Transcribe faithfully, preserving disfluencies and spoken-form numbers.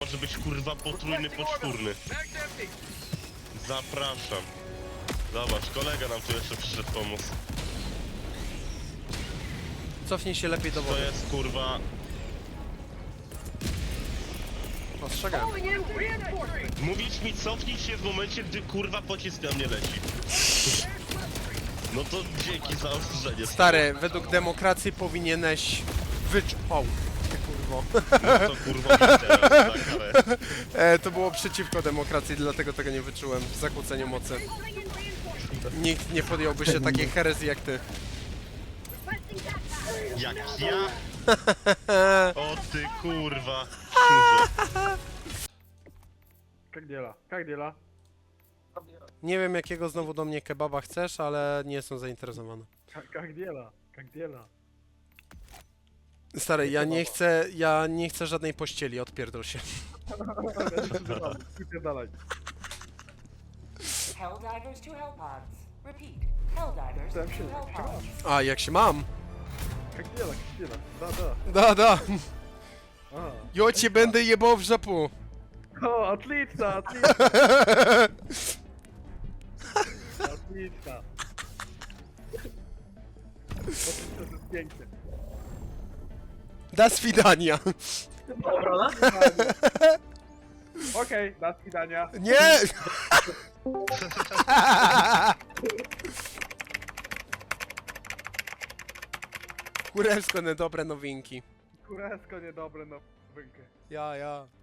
może być kurwa potrójny, poczwórny. Zapraszam. Zobacz, kolega nam tu jeszcze przyszedł pomóc. Cofnij się lepiej do To wody. jest kurwa... Ostrzegam. Mówić mi cofnij się w momencie, gdy kurwa pocisk na mnie leci. No to dzięki za ostrzeżenie. Stary, według demokracji powinieneś wycz... O, ty kurwo. No to kurwa mi teraz za karę. E, to było przeciwko demokracji, dlatego tego nie wyczułem. Zakłócenie mocy. Nikt nie podjąłby się takiej herezji jak ty. Jak ja? O ty kurwa. Kurze. Как дела? Как дела? Nie wiem jakiego znowu do mnie kebaba chcesz, ale nie jestem zainteresowany. Как, как дела? Как дела? Stary, ja nie chcę, ja nie chcę żadnej pościeli, odpierdol się. Dalej. Helldivers to Hellpods. Repeat. Helldivers Там to się, jak się Hellpods. masz? A, jak się mam? Как дела? Как дела? Да, да. Da, da. А. Jo cię będę jebał w żapu. О, отлично, отлично. Отлично. To jest pięknie. Da swidania. Okej, do widzenia. Nie! Kurewsko, dobre nowinki. Kurewsko niedobre nowinki. Ja, ja.